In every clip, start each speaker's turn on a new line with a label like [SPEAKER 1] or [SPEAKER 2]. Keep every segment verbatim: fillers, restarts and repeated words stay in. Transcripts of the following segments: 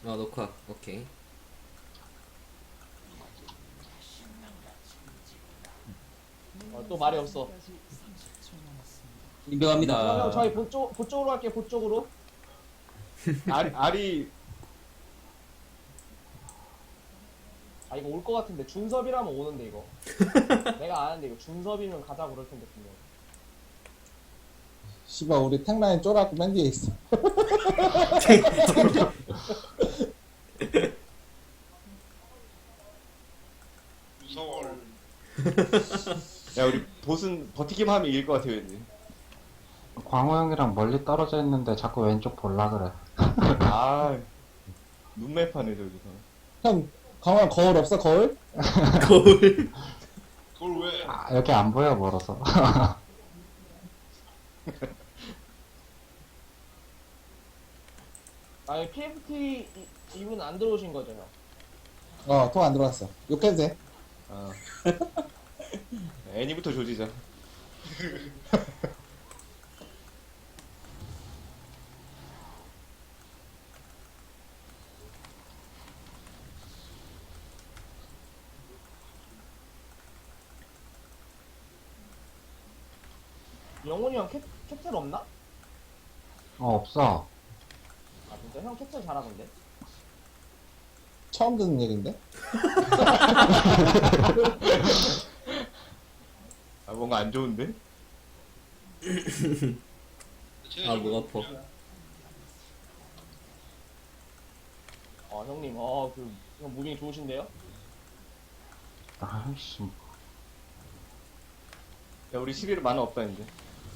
[SPEAKER 1] 아 녹화 오케이.
[SPEAKER 2] 어, 또 말이 없어. 형, 형,
[SPEAKER 3] 인정합니다.
[SPEAKER 2] 저희 보쪽, 보쪽으로 갈게요, 보쪽으로.
[SPEAKER 4] 알이, 알이
[SPEAKER 2] 아, 이거 올 것 같은데. 준섭이라면 오는데, 이거. 내가 아는데, 이거 준섭이면 가자 그럴 텐데, 분명.
[SPEAKER 5] 씨발 우리 탱라인 쫄았고 맨 뒤에 있어.
[SPEAKER 6] 무서워.
[SPEAKER 4] 야 우리 보스는 버티기만 하면 이길 것 같아 왠지.
[SPEAKER 7] 광호 형이랑 멀리 떨어져 있는데 자꾸 왼쪽 볼라 그래.
[SPEAKER 4] 아 눈매파네 저기서.
[SPEAKER 5] 형 강원 거울 없어 거울?
[SPEAKER 1] 거울.
[SPEAKER 6] 그걸 왜?
[SPEAKER 7] 아, 여기 안 보여 멀어서.
[SPEAKER 2] 아니, 피에프티 이- 이분 안 들어오신 거죠, 형?
[SPEAKER 5] 어통 안 들어왔어. 욕해도 돼.
[SPEAKER 4] 아 애니부터 조지자.
[SPEAKER 2] 영훈이 형 캡, 캡틀 없나?
[SPEAKER 7] 어 없어.
[SPEAKER 2] 아, 진짜? 형 캡틀 잘하던데?
[SPEAKER 5] 처음 듣는 얘긴데?
[SPEAKER 4] 아 뭔가 안 좋은데?
[SPEAKER 1] 아 목 아파.
[SPEAKER 2] 어, 형님, 어, 그, 형 무빙 좋으신데요?
[SPEAKER 7] 아이씨.
[SPEAKER 4] 야 우리 십일 일 만화 없다 이제.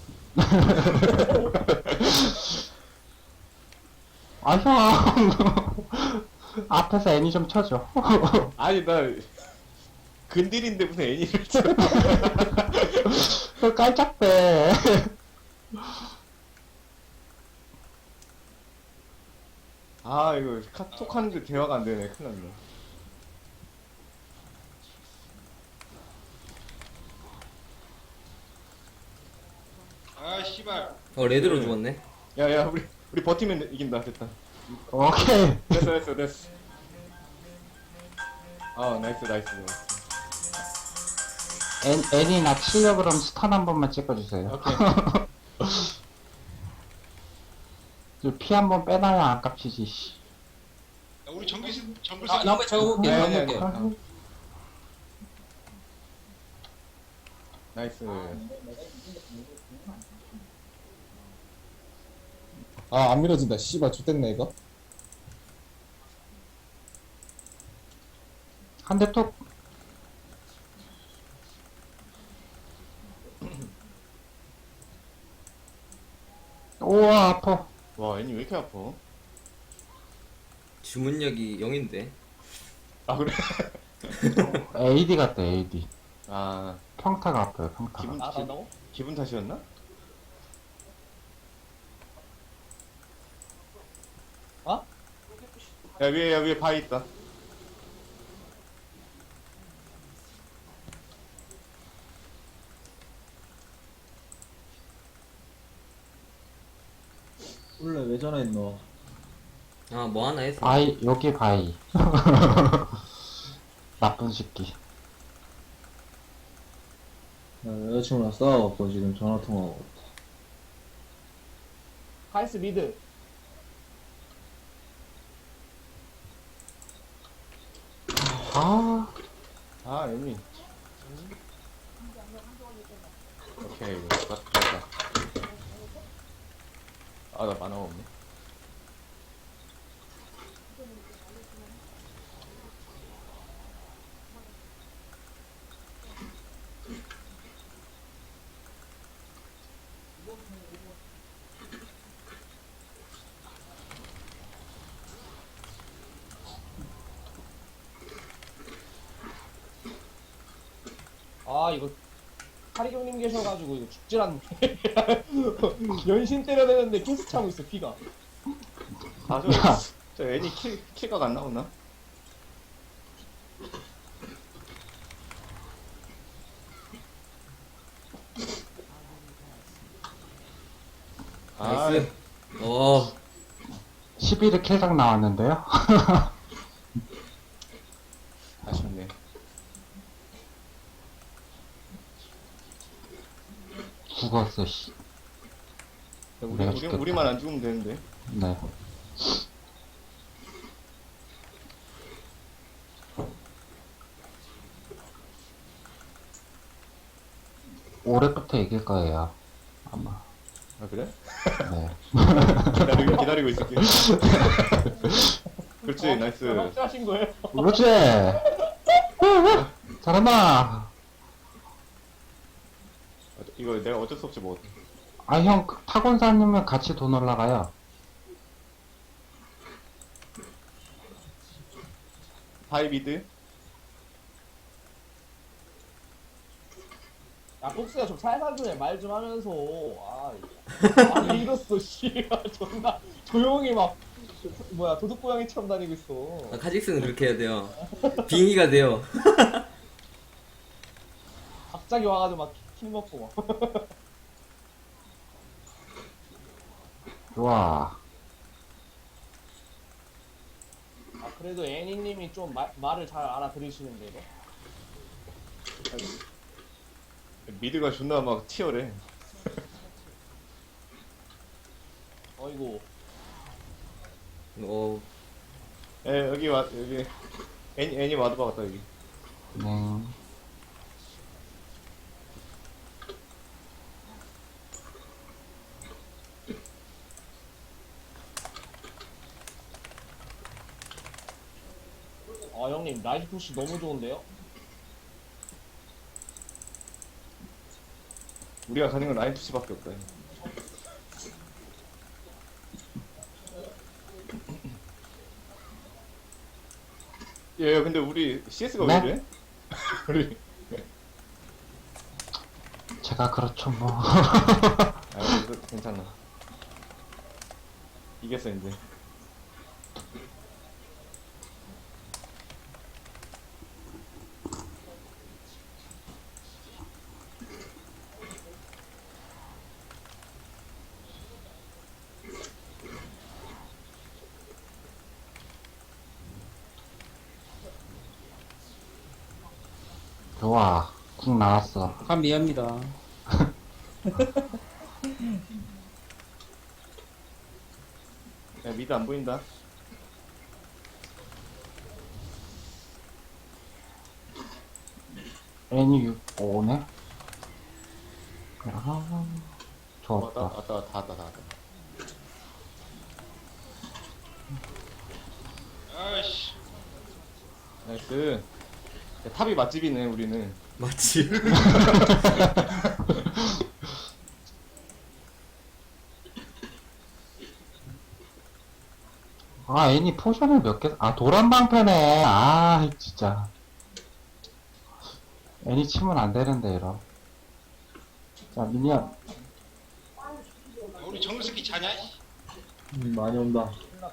[SPEAKER 7] 아 형. 앞에서 애니 좀 쳐줘.
[SPEAKER 4] 아니 나 근딜인데 무슨 애니를 쳐.
[SPEAKER 7] 그 깔짝대.
[SPEAKER 4] 아 이거 카톡 하는데 대화가 안 되네. 큰일 났네.
[SPEAKER 6] 아 씨발.
[SPEAKER 1] 어 레드로 죽었네.
[SPEAKER 4] 야야 우리 우리 버티면 이긴다. 됐다.
[SPEAKER 7] 오케이.
[SPEAKER 4] 됐어 됐어 됐어. 아 나이스 나이스 나이스.
[SPEAKER 7] 애, 애니 나 치려 그럼 스턴 한 번만 찍어주세요.
[SPEAKER 4] 오케이.
[SPEAKER 7] 피 한 번 빼놔야 아깝지지. 씨.
[SPEAKER 6] 야, 우리 정글 정글
[SPEAKER 3] 아, 나 한번 적어볼게.
[SPEAKER 4] 아니, 아니,
[SPEAKER 3] 적어볼게.
[SPEAKER 4] 아니. 나이스.
[SPEAKER 5] 아 안 밀어진다. 씨발 좋댔네 이거.
[SPEAKER 7] 한 대 톡. 우와 아파.
[SPEAKER 4] 와 애니 왜 이렇게 아파?
[SPEAKER 1] 주문력이 영인데.
[SPEAKER 4] 아 그래?
[SPEAKER 7] 에이디 같다 에이디.
[SPEAKER 4] 아
[SPEAKER 7] 평타가 아파요 평타가.
[SPEAKER 4] 기분
[SPEAKER 2] 아,
[SPEAKER 4] 기,
[SPEAKER 2] 나도?
[SPEAKER 4] 기분 탓이었나?
[SPEAKER 2] 어?
[SPEAKER 4] 야 위에 야 위에 바위 있다.
[SPEAKER 3] 원래 왜 전화했노?
[SPEAKER 1] 아 뭐 하나 했어.
[SPEAKER 7] 바이 여기 바이. 나쁜 새끼.
[SPEAKER 3] 나 여자친구랑 싸워갖고 지금 전화 통화하고 있다.
[SPEAKER 2] 카이스 미드.
[SPEAKER 7] 아
[SPEAKER 4] 아 애니. 오케이 맞다 맞다. 아나 만화가 없네.
[SPEAKER 2] 아, 이거, 카리경님 계셔가지고, 이거 죽질 않네. 연신 때려대는데 계속 차고 있어, 피가.
[SPEAKER 4] 아저
[SPEAKER 7] 야.
[SPEAKER 4] 저 애니 킬 킬각 안 나오나? 아
[SPEAKER 1] 나이스. 어.
[SPEAKER 7] 십일 회 킬각 나왔는데요?
[SPEAKER 4] 아쉽네.
[SPEAKER 7] 죽었어, 씨.
[SPEAKER 4] 우리,
[SPEAKER 7] 내가
[SPEAKER 4] 우리,
[SPEAKER 7] 죽겠다.
[SPEAKER 4] 우리만 안 죽으면 되는데.
[SPEAKER 7] 네. 올해부터 이길 거예요. 아마.
[SPEAKER 4] 아, 그래?
[SPEAKER 7] 네.
[SPEAKER 4] 기다리고, 기다리고 있을게. 그렇지, 나이스.
[SPEAKER 2] 확실하신 거예요?
[SPEAKER 7] 그렇지! 잘한다!
[SPEAKER 4] 이거 내가 어쩔 수 없이 먹었다.
[SPEAKER 7] 아, 형, 그 타곤사님은 같이 돈 올라가요.
[SPEAKER 4] 하이비드?
[SPEAKER 2] 야, 폭스야 좀 살살 좀 해. 말 좀 하면서. 아, 아니 이랬어, 씨. 아, 존나 조용히 막 뭐야 도둑고양이처럼 다니고 있어.
[SPEAKER 1] 아, 카직스는 그렇게 해야 돼요. 빙의가 돼요.
[SPEAKER 2] 갑자기 와가지고 막 킬 먹고 막.
[SPEAKER 7] 좋아.
[SPEAKER 2] 아, 그래도 애니님이 좀 말, 말을 잘 알아들으시는데 이거.
[SPEAKER 4] 미드가 존나 막 치열해.
[SPEAKER 2] 어이구.
[SPEAKER 1] 어,
[SPEAKER 4] 에, 여기 와, 여기. 애니, 애니 와드 박았다, 여기.
[SPEAKER 7] 네.
[SPEAKER 2] 아, 형님 라이트 푸시 너무 좋은데요?
[SPEAKER 4] 우리가 가는 건 라인 푸시밖에 없다. 예, 야, 근데 우리 씨에스가 왜
[SPEAKER 7] 네?
[SPEAKER 4] 이래? 우리.
[SPEAKER 7] 제가 그렇죠, 뭐.
[SPEAKER 4] 아, 그래도 괜찮아. 이겼어, 이제.
[SPEAKER 7] 좋아. 궁 나왔어.
[SPEAKER 3] 감미합니다.
[SPEAKER 4] 야, 미드 안 보인다.
[SPEAKER 7] 애니 육, 오네? 아,
[SPEAKER 4] 왔다,
[SPEAKER 7] 좋았다.
[SPEAKER 4] 왔다, 왔다, 다 왔다, 다 왔다.
[SPEAKER 6] 아이씨.
[SPEAKER 4] 나이스. 야, 탑이 맛집이네, 우리는.
[SPEAKER 1] 맞지?
[SPEAKER 7] 아, 애니 포션을 몇 개, 아, 도란방패네. 아, 진짜. 애니 치면 안 되는데, 이러. 자, 미니언.
[SPEAKER 6] 야, 우리 정글 새끼 자냐? 이?
[SPEAKER 3] 음, 많이 온다.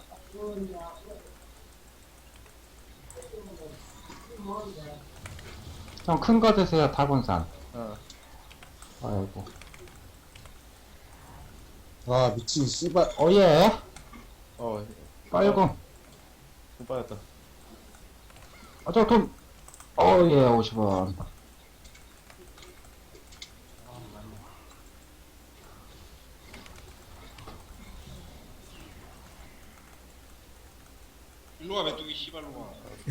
[SPEAKER 7] 형, 큰 거 드세요, 타곤산.
[SPEAKER 4] 어.
[SPEAKER 7] 아이고.
[SPEAKER 5] 아, 미친, 씨발.
[SPEAKER 7] 어, 예.
[SPEAKER 4] 어,
[SPEAKER 7] 빨공.
[SPEAKER 4] 못 받았다.
[SPEAKER 7] 아, 저 돈. 어, 예, 오십 원.
[SPEAKER 6] 일로 와, 메뚜기 씨발로 와.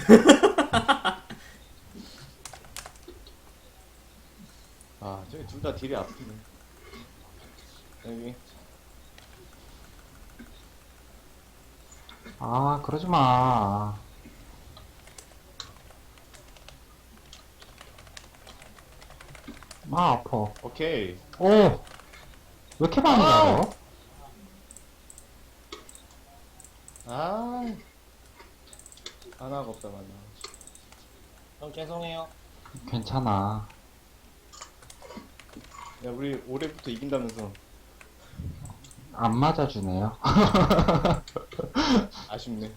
[SPEAKER 4] 아, 저기 둘 다 딜이 아프네. 여기.
[SPEAKER 7] 아, 그러지 마. 아, 아파.
[SPEAKER 4] 오케이.
[SPEAKER 7] 오! 왜 이렇게 많이 가요?
[SPEAKER 4] 아. 하나가 없다, 맞나.
[SPEAKER 2] 형 죄송해요.
[SPEAKER 7] 괜찮아.
[SPEAKER 4] 야, 우리 올해부터 이긴다면서.
[SPEAKER 7] 안 맞아주네요.
[SPEAKER 4] 아쉽네.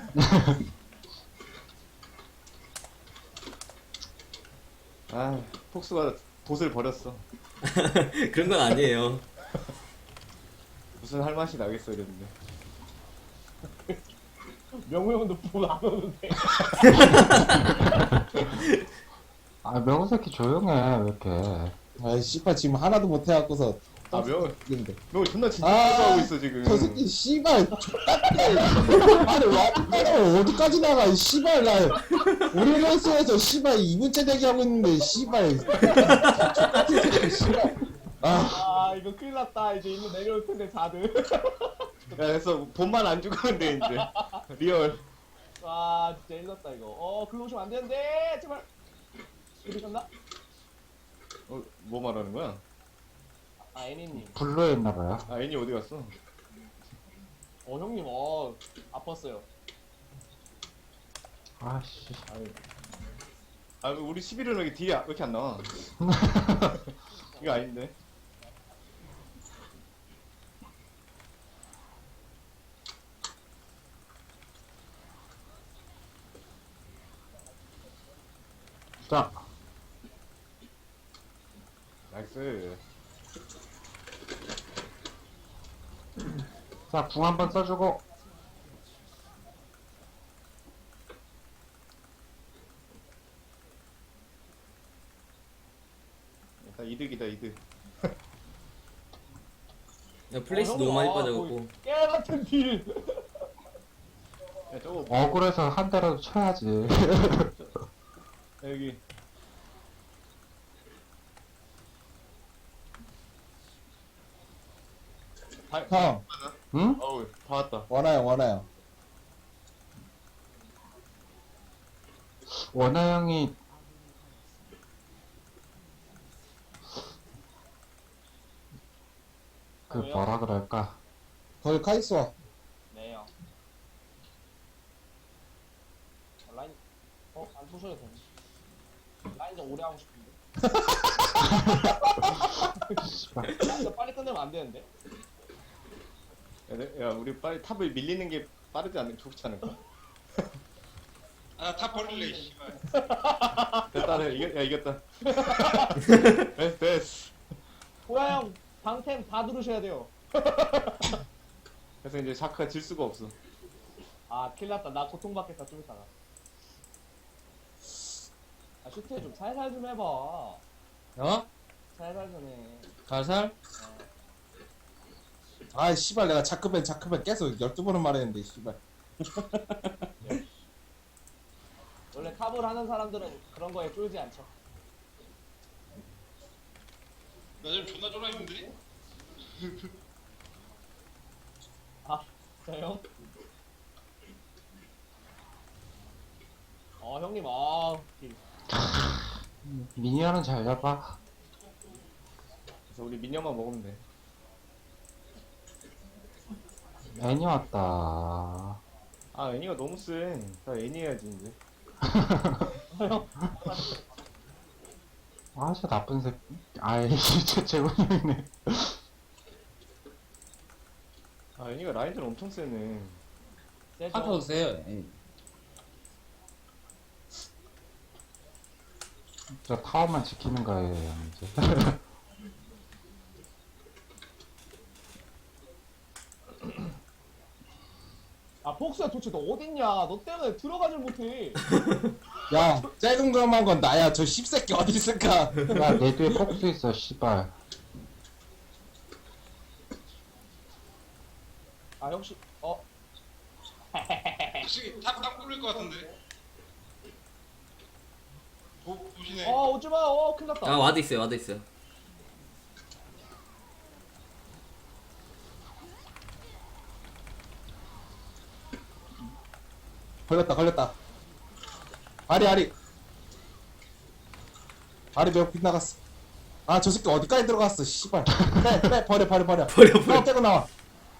[SPEAKER 4] 아, 폭스가 돛을 버렸어.
[SPEAKER 1] 그런 건 아니에요.
[SPEAKER 4] 무슨 할 맛이 나겠어, 이랬는데.
[SPEAKER 2] 명우 형도 불안 오는데.
[SPEAKER 7] 아 명호 새끼 조용해 왜 이렇게.
[SPEAKER 5] 아 씨발 지금 하나도 못 해갖고서
[SPEAKER 4] 아 명호
[SPEAKER 5] 근데
[SPEAKER 4] 명호 존나 진짜
[SPEAKER 5] 아,
[SPEAKER 4] 하고 있어 지금.
[SPEAKER 5] 저 새끼 씨발 X같네. 아니 와 어디까지 나가 이 씨발 나 우리 레이스에서 씨발 이 분째 대기하고 있는데 씨발 X같은 새끼 씨발 아
[SPEAKER 2] 아 이거 큰일 났다. 이제 일로 내려올 텐데 다들.
[SPEAKER 4] 야 그래서 본만 안 죽으면 돼 이제. 리얼.
[SPEAKER 2] 아 진짜 일났다 이거. 어 글로 오시면 안 되는데 제발. 어디 갔나?
[SPEAKER 4] 어, 뭐 말하는 거야?
[SPEAKER 2] 아 애니님.
[SPEAKER 7] 블루에 있나봐요.
[SPEAKER 4] 아 애니 어디 갔어?
[SPEAKER 2] 어 형님 어 아팠어요.
[SPEAKER 7] 아씨.
[SPEAKER 4] 아 우리 십일은 왜 이렇게 딜이 왜 이렇게 안 나와? 이거 아닌데.
[SPEAKER 7] 자.
[SPEAKER 4] 나이스.
[SPEAKER 7] 자, 궁 한번 써주고.
[SPEAKER 4] 일단 이득이다 이득.
[SPEAKER 1] 야, 플레이스
[SPEAKER 2] 어,
[SPEAKER 1] 너무
[SPEAKER 2] 형님,
[SPEAKER 1] 많이
[SPEAKER 2] 아,
[SPEAKER 1] 빠져갖고.
[SPEAKER 2] 거의 깨 같은 딜.
[SPEAKER 4] 야 저거
[SPEAKER 7] 억울해서 한 대라도 쳐야지.
[SPEAKER 4] 야, 여기 다,
[SPEAKER 5] 형
[SPEAKER 7] 응?
[SPEAKER 4] 어우 다 왔다.
[SPEAKER 5] 원하요 원하요
[SPEAKER 7] 원하 형이 그
[SPEAKER 2] 왜요?
[SPEAKER 7] 뭐라 그럴까?
[SPEAKER 5] 거기 카이스와
[SPEAKER 2] 네요. 어, 라인 어안 부셔도 되네. 라인 좀 오래 하고 싶은데. 라인 좀 빨리 끝내면 안 되는데.
[SPEAKER 4] 야, 내- 야 우리 빨리 탑을 밀리는 게 빠르지 않 좋지 않을까?
[SPEAKER 6] 아다 버릴래 씨발.
[SPEAKER 4] 됐다 내 이겼 야 이겼다. 됐어 됐어.
[SPEAKER 2] 호야 형 방템 다 누르셔야 돼요.
[SPEAKER 4] 그래서 이제 샤크가 질 수가 없어.
[SPEAKER 2] 아 큰일났다. 나 고통받겠다 좀 이따가. 아 슈트 좀 살살 좀 해봐.
[SPEAKER 3] 어?
[SPEAKER 2] 살살 좀 해.
[SPEAKER 3] 가살?
[SPEAKER 5] 아 씨발 내가 자크벤 자크벤 계속 열두 번은 말했는데 씨발
[SPEAKER 2] 원래 탑을 하는 사람들은 그런 거에 쫄지 않죠.
[SPEAKER 6] 나 지금 존나 쫄아 있는데.
[SPEAKER 2] 아 진짜 형? 어 형님 아 딜.
[SPEAKER 7] 미니언은 잘 잡아.
[SPEAKER 4] 그래서 우리 민영만 먹으면 돼.
[SPEAKER 7] 애니 왔다.
[SPEAKER 4] 아 애니가 너무 세. 나 애니 해야지 이제.
[SPEAKER 7] 아, 진짜 나쁜 새끼. 아이, 진짜 제군형이네.
[SPEAKER 4] 아 애니가 라인전 엄청 세네.
[SPEAKER 2] 세죠?
[SPEAKER 3] 카타도 세요. 예.
[SPEAKER 7] 저 타워만 지키는 거예요, 이제.
[SPEAKER 2] 아 복수야 도대체 너 어딨냐? 너 때문에 들어가질 못해.
[SPEAKER 5] 야 짤금감한 건 나야 저 씹새끼 어디 있을까
[SPEAKER 7] 야, 내 뒤에 폭수 있어, 씨발.
[SPEAKER 2] 아 역시 어
[SPEAKER 6] 혹시 탑딱 뚫릴 것 같은데. 보 보시네.
[SPEAKER 2] 어 오지마 어 큰일났다.
[SPEAKER 1] 아, 와드 있어요, 와드 있어요.
[SPEAKER 5] 걸렸다 걸렸다 아리 아리 아리 매우 빗나갔어 아 저 새끼 어디까지 들어갔어 씨발 빼빼 버려 버려 버려
[SPEAKER 1] 버려, 버려.
[SPEAKER 5] 나와 떼고 나와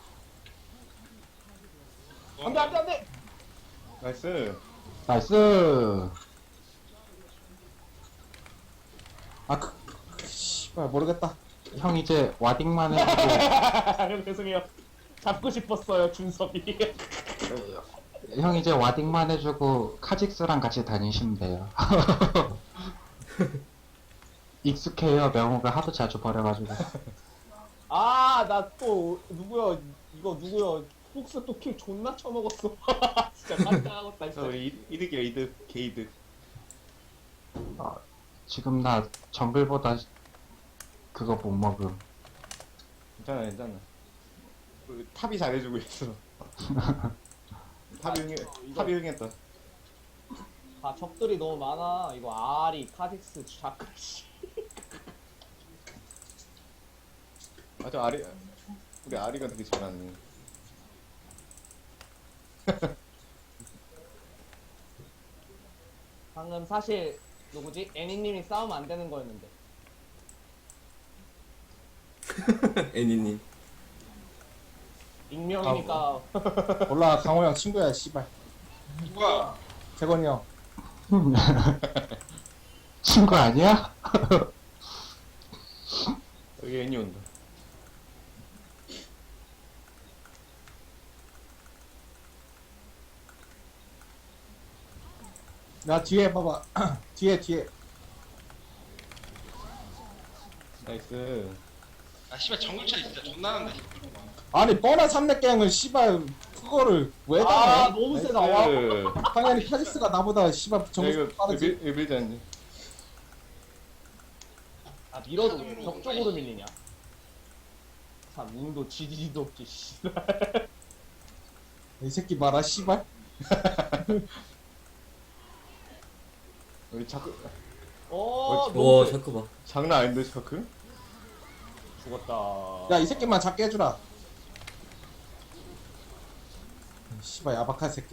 [SPEAKER 2] 안돼 안돼 안돼.
[SPEAKER 4] 나이스.
[SPEAKER 7] 나이스.
[SPEAKER 5] 아그 그, 씨발 모르겠다
[SPEAKER 7] 형 이제 와딩만 해주고,
[SPEAKER 2] 죄송해요. 잡고 싶었어요 준섭이.
[SPEAKER 7] 형 이제 와딩만 해주고, 카직스랑 같이 다니시면 돼요. 익숙해요, 명호가 하도 자주 버려가지고.
[SPEAKER 2] 아 나 또 누구야 이거 누구야 폭스 또 킬 존나 쳐먹었어. 진짜 깜짝하겠다
[SPEAKER 4] 저
[SPEAKER 2] 진짜.
[SPEAKER 4] 우리 이- 이득이야 이득 개이득.
[SPEAKER 7] 지금 나 정글보다 그거 못 먹음.
[SPEAKER 4] 괜찮아 괜찮아. 우리 탑이 잘해주고 있어. 탑이 흥해 탑이 흥했다.
[SPEAKER 2] 아 적들이 너무 많아. 이거 아리, 카직스, 자크 씨.
[SPEAKER 4] 아저 아리 우리 아리가 되게 잘하네.
[SPEAKER 2] 방금 사실 누구지? 애니님이 싸우면 안 되는 거였는데.
[SPEAKER 1] 애니님.
[SPEAKER 2] 익명이니까.
[SPEAKER 5] 몰라 강호 형 친구야 씨발.
[SPEAKER 6] 누가?
[SPEAKER 5] 재건이 형.
[SPEAKER 7] 친구 아니야?
[SPEAKER 4] 여기 애니 온다.
[SPEAKER 5] 나 뒤에 봐봐. 뒤에 뒤에.
[SPEAKER 4] 나이스.
[SPEAKER 6] 아 씨발 정글차 진짜 존나 난다.
[SPEAKER 5] 아니 뻔한 삼렙갱을 씨발 그거를 왜
[SPEAKER 2] 아
[SPEAKER 5] 당해?
[SPEAKER 2] 너무 세다. 와.
[SPEAKER 4] 나이스.
[SPEAKER 5] 당연히 카지스가 나보다 씨발
[SPEAKER 4] 야,
[SPEAKER 5] 정수
[SPEAKER 4] 이거
[SPEAKER 5] 빠르지.
[SPEAKER 4] 밀- 이거 밀지 않니?
[SPEAKER 2] 아 밀어도 왜 벽 쪽으로 밀리냐? 참 운도 지지지도 없지. 씨.
[SPEAKER 5] 이 새끼 봐라 씨발.
[SPEAKER 4] 우리 자크
[SPEAKER 2] 어,
[SPEAKER 1] 와
[SPEAKER 2] 너무 세.
[SPEAKER 1] 샤크 봐.
[SPEAKER 4] 장난 아닌데 자크?
[SPEAKER 2] 죽었다.
[SPEAKER 5] 야 이 새끼만 잡게 해주라. 씨발 야박한 새끼.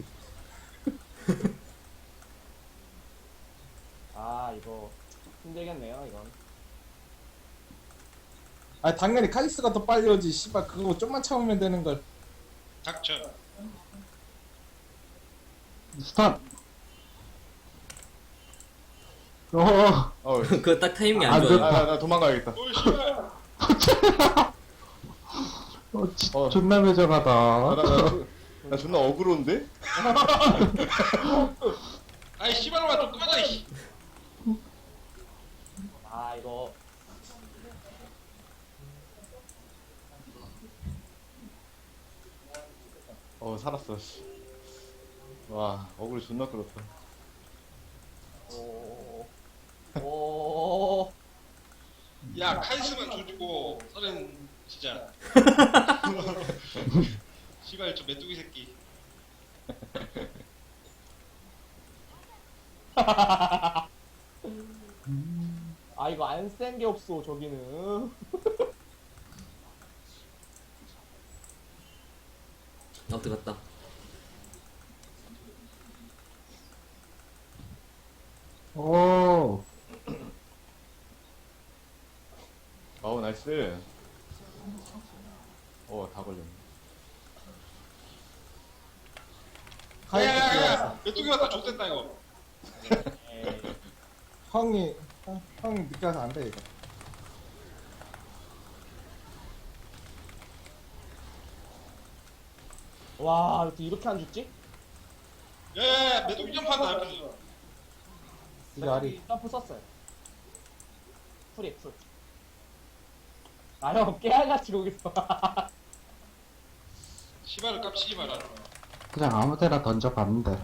[SPEAKER 2] 아 이거 힘들겠네요 이건.
[SPEAKER 5] 아 당연히 카지스가 더 빨리 오지. 씨발 그거 좀만 참으면 되는 걸.
[SPEAKER 6] 닥쳐.
[SPEAKER 7] 스턴. 어.
[SPEAKER 4] 어.
[SPEAKER 1] 그거 딱 타이밍이
[SPEAKER 7] 안
[SPEAKER 1] 안 좋아요.
[SPEAKER 4] 아, 나, 나 도망가야겠다.
[SPEAKER 6] 오 씨발.
[SPEAKER 7] 어, 지,
[SPEAKER 4] 어.
[SPEAKER 7] 존나
[SPEAKER 4] 아,
[SPEAKER 7] 매정하다.
[SPEAKER 4] 나, 나, 나 존나 어그로운데?
[SPEAKER 6] 아이 씨발로만 좀 꺼져 이씨.
[SPEAKER 2] 아 이거
[SPEAKER 4] 어 살았어. 씨. 와 어그로 존나 끌었다.
[SPEAKER 2] 오. 오.
[SPEAKER 6] 야 카이스만 줘주고 서른 진짜. 씨발 저 메뚜기 새끼.
[SPEAKER 2] 아 이거 안 센 게 없어 저기는.
[SPEAKER 1] 어 들어갔다.
[SPEAKER 7] 오.
[SPEAKER 4] 어우 나이스. 어다 걸렸네.
[SPEAKER 6] 야야야 메뚜기 왔다 좆됐다 이거.
[SPEAKER 2] 에이.
[SPEAKER 5] 형이 형, 형이 늦게 와서 안 돼 이거.
[SPEAKER 2] 와 어떻게 이렇게 안 죽지?
[SPEAKER 6] 야야야 메뚜기 점프한다 옆에서.
[SPEAKER 5] 이게 아리.
[SPEAKER 2] 점프 썼어요. 풀이 풀. 아형 깨알같이 거기 있어.
[SPEAKER 6] 씨발을 깝치지 마라.
[SPEAKER 7] 그냥 아무데나 던져봤는데.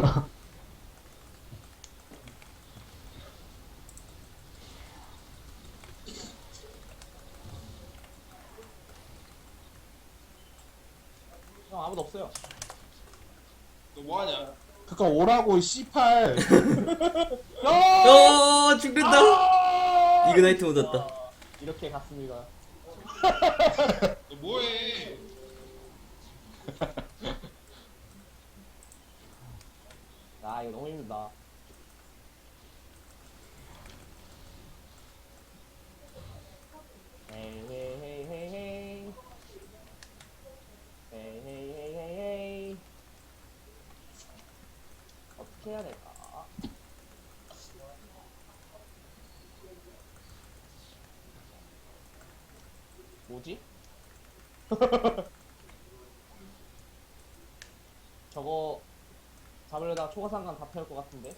[SPEAKER 2] 형 아무도 없어요.
[SPEAKER 6] 너 뭐하냐?
[SPEAKER 5] 그니까 오라고 씨팔.
[SPEAKER 1] 어 죽는다. 이그나이트 묻었다.
[SPEAKER 2] 이렇게 갔습니다.
[SPEAKER 6] 너 뭐해?
[SPEAKER 2] 아 이거 너무 힘들다. 헤이 헤이 헤이 헤이 헤이 헤이 헤이 헤이 헤이 헤이 어떻게 해야 될까? 뭐지? 저거 잡으려다가 초과상관 다 태울 것 같은데?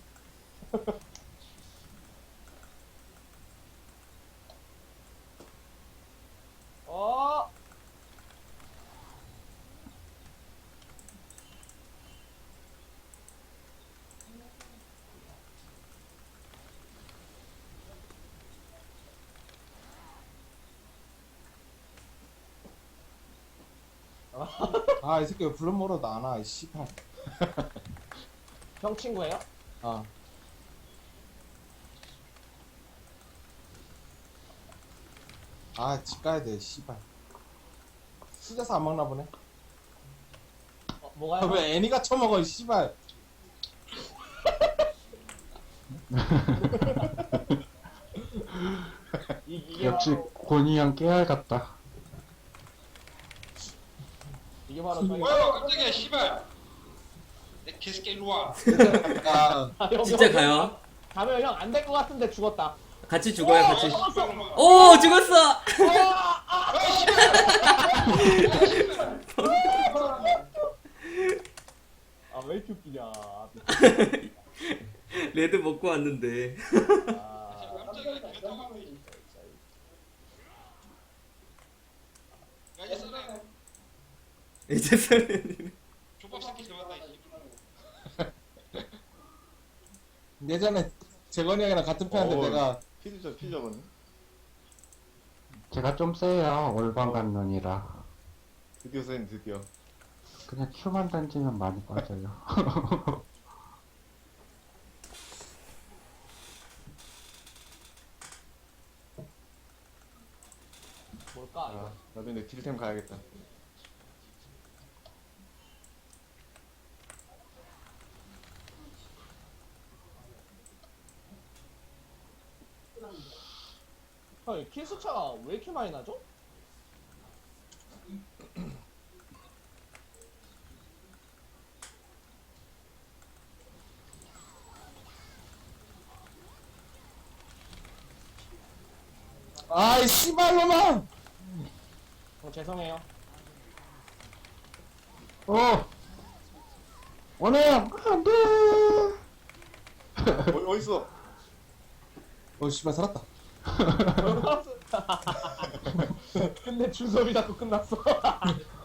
[SPEAKER 2] 어!
[SPEAKER 5] 아, 이 새끼 왜 불러 먹어도 안 와, 이 씨발.
[SPEAKER 2] 형 친구예요?
[SPEAKER 5] 아. 아, 집 가야 돼, 씨발. 수제사 안 먹나 보네.
[SPEAKER 2] 어,
[SPEAKER 5] 아,
[SPEAKER 2] 뭐가요?
[SPEAKER 5] 왜 애니가 처먹어, 이 씨발.
[SPEAKER 2] 이, 이게
[SPEAKER 7] 역시
[SPEAKER 2] 바로
[SPEAKER 7] 권희 형 깨알 같다.
[SPEAKER 2] 이게 바로 저희
[SPEAKER 6] 뭐야 깜짝이야 씨발. 내 개새끼 일로 와.
[SPEAKER 5] 아,
[SPEAKER 2] 아, 형,
[SPEAKER 1] 진짜
[SPEAKER 2] 형,
[SPEAKER 1] 가요?
[SPEAKER 2] 가면 형 안 될 것 같은데 죽었다.
[SPEAKER 1] 같이 죽어요, 같이.
[SPEAKER 2] 죽었어.
[SPEAKER 1] 오, 죽었어!
[SPEAKER 2] 아, 왜 이렇게 웃기냐.
[SPEAKER 1] 레드 먹고 왔는데.
[SPEAKER 2] 아,
[SPEAKER 6] 깜짝이야 기가 타고. 야 이제 써라.
[SPEAKER 1] 이제 설레는.
[SPEAKER 6] 족밥 새끼 들어갔다 이
[SPEAKER 5] 예전에 재건이 형이랑 같은 편인데
[SPEAKER 4] 어.
[SPEAKER 5] 내가
[SPEAKER 4] 피자 피자 먹네.
[SPEAKER 7] 제가 좀 세요. 올방간 눈이라.
[SPEAKER 4] 드디어 쌤 드디어.
[SPEAKER 7] 그냥 큐만 던지면 많이 빠져요.
[SPEAKER 2] 뭘까? 이거?
[SPEAKER 4] 아 나도 이제 딜템 가야겠다.
[SPEAKER 2] 형, 킬 수차가 왜 이렇게 많이 나죠?
[SPEAKER 5] 아이 씨발놈아!
[SPEAKER 2] 어, 죄송해요.
[SPEAKER 7] 어! 원해! 안 돼!
[SPEAKER 4] 어 어딨어?
[SPEAKER 5] 어 씨발 살았다.
[SPEAKER 2] 근데 준섭이 자꾸 끝났어.